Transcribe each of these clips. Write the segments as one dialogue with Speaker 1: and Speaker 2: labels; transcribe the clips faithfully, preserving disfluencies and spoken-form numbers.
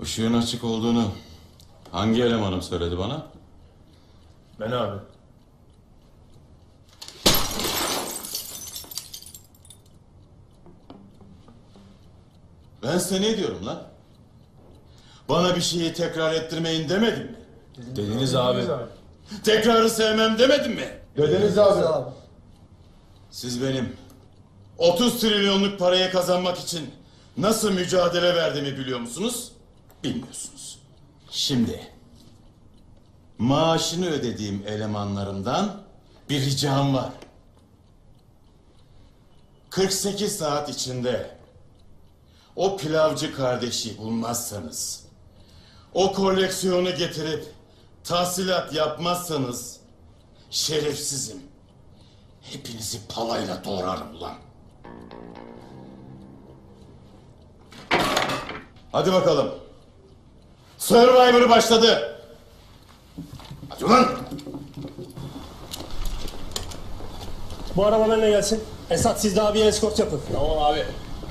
Speaker 1: Işığın açık olduğunu hangi elemanım söyledi bana?
Speaker 2: Ben abi.
Speaker 1: Ben size ne diyorum lan? Bana bir şeyi tekrar ettirmeyin demedim mi?
Speaker 2: Dediniz abi.
Speaker 1: Tekrarı sevmem demedim mi?
Speaker 3: Dediniz abi.
Speaker 1: Siz benim otuz trilyonluk parayı kazanmak için nasıl mücadele verdiğimi biliyor musunuz? Bilmiyorsunuz. Şimdi maaşını ödediğim elemanlarımdan bir ricam var. kırk sekiz saat içinde o pilavcı kardeşi bulmazsanız, o koleksiyonu getirip tahsilat yapmazsanız şerefsizim. Hepinizi palayla doğrarım ulan. Hadi bakalım. Survivor başladı. Hadi ulan.
Speaker 2: Bu araba benimle gelsin. Esat siz daha bir eskort yapın. Tamam abi.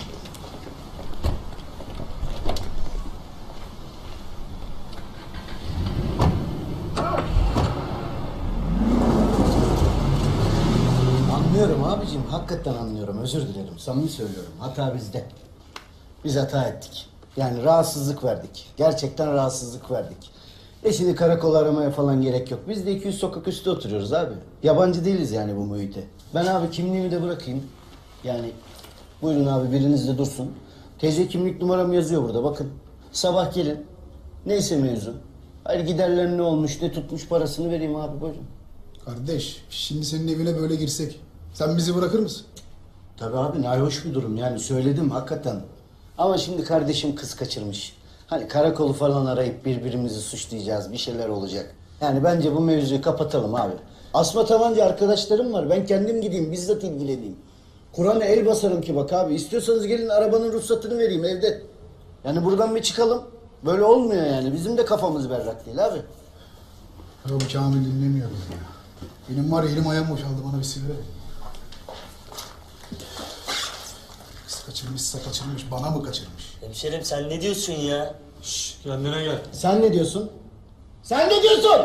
Speaker 4: Anlıyorum abicim, hakikaten anlıyorum. Özür dilerim, samimi söylüyorum. Hata bizde. Biz hata ettik. Yani rahatsızlık verdik. Gerçekten rahatsızlık verdik. E şimdi karakol aramaya falan gerek yok. Biz de iki yüz sokak üstü oturuyoruz abi. Yabancı değiliz yani bu muhite. Ben abi kimliğimi de bırakayım. Yani buyurun abi, biriniz de dursun. T C kimlik numaram yazıyor burada, bakın. Sabah gelin. Neyse mevzu. Hayır, giderler ne olmuş, ne tutmuş, parasını vereyim abi, buyurun.
Speaker 3: Kardeş, şimdi senin evine böyle girsek, sen bizi bırakır mısın?
Speaker 4: Tabii abi, nahoş bir durum yani, söyledim hakikaten. Ama şimdi kardeşim kız kaçırmış. Hani karakolu falan arayıp birbirimizi suçlayacağız, bir şeyler olacak. Yani bence bu mevzuyu kapatalım abi. Asma tabanca arkadaşlarım var, ben kendim gideyim, bizzat ilgileneyim. Kur'an'a el basarım ki bak abi, istiyorsanız gelin arabanın ruhsatını vereyim evde. Yani buradan bir çıkalım. Böyle olmuyor yani, bizim de kafamız berrak değil abi.
Speaker 3: Ya bu Kamil dinlemiyor beni ya. Benim var ya, elim ayağım boşaldı, bana bir sigara ver. Kız kaçırmışsa kaçırmış, bana mı kaçırmış?
Speaker 5: Hemşerim sen ne diyorsun ya?
Speaker 2: Şşş kendine gel.
Speaker 4: Sen ne diyorsun? Sen ne diyorsun?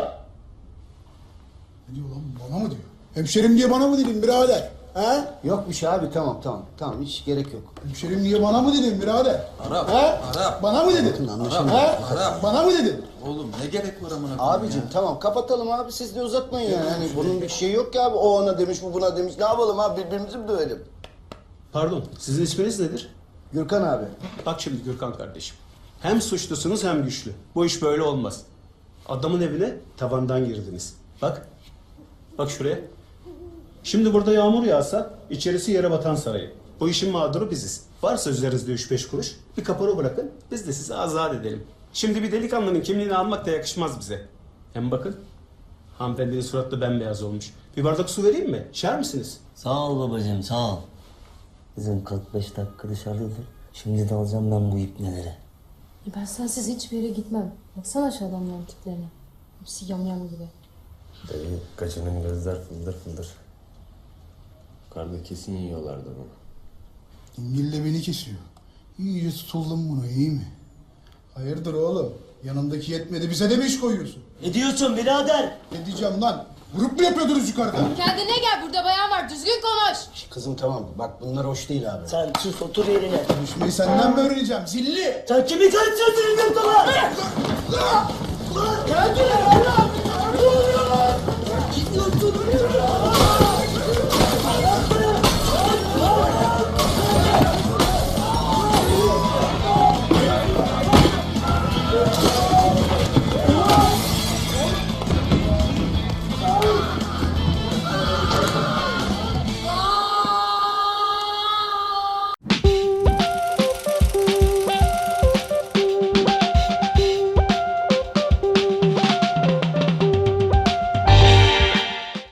Speaker 3: Ne diyor lan, bana mı diyor? Hemşerim diye bana mı dedin birader? He?
Speaker 4: Yok bir şey abi, tamam tamam. Tamam, hiç gerek yok.
Speaker 3: Hemşerim diye bana mı dedin birader?
Speaker 6: Arap,
Speaker 3: He?
Speaker 6: Arap.
Speaker 3: Bana mı dedin?
Speaker 4: Bakın anlaşılmıyor.
Speaker 3: He?
Speaker 6: Arap.
Speaker 3: Bana mı dedin?
Speaker 6: Oğlum ne gerek var amına koyayım
Speaker 4: Abicim
Speaker 6: ya?
Speaker 4: tamam, kapatalım abi, siz de uzatmayın yani. Hani bunun bir şeyi yok ki abi. O ona demiş, bu buna demiş. Ne yapalım abi, birbirimizi mi dövelim?
Speaker 7: Pardon, sizin isminiz nedir?
Speaker 4: Gürkan abi.
Speaker 7: Bak şimdi Gürkan kardeşim. Hem suçlusunuz hem güçlü. Bu iş böyle olmaz. Adamın evine tavandan girdiniz. Bak. Bak şuraya. Şimdi burada yağmur yağsa içerisi yere batan sarayı. Bu işin mağduru biziz. Varsa üzerinizde üç beş kuruş bir kapora bırakın, biz de sizi azat edelim. Şimdi bir delikanlının kimliğini almak da yakışmaz bize. Hem bakın, hanımefendinin suratı bembeyaz olmuş. Bir bardak su vereyim mi? İçer misiniz?
Speaker 5: Sağ ol babacığım sağ ol. Bizim kırk beş dakika dışarıdaydı. Şimdi de alacağım ben bu ipneleri.
Speaker 8: Ben sensiz hiçbir yere gitmem. Baksana şu adamların tiplerine. Hepsi yamyam gibi.
Speaker 9: Dayı kaçının gözler fıldır fıldır. Karda kesin yiyorlardı bunu.
Speaker 3: İngil de beni kesiyor. İyice tutuldum buna, iyi mi? Hayırdır oğlum? Yanındaki yetmedi, bize de mi iş koyuyorsun?
Speaker 5: Ne diyorsun birader?
Speaker 3: Ne diyeceğim lan? Grup mu yapıyordunuz yukarıda?
Speaker 8: Kendine gel, burada bayan var, düzgün konuş.
Speaker 4: Şş, kızım tamam, bak bunlar hoş değil abi.
Speaker 5: Sen sus otur yerine.
Speaker 3: Konuşmayı senden mi öğreneceğim zilli?
Speaker 5: Sen kimi karıştırdın yurtala?
Speaker 3: Gel gel.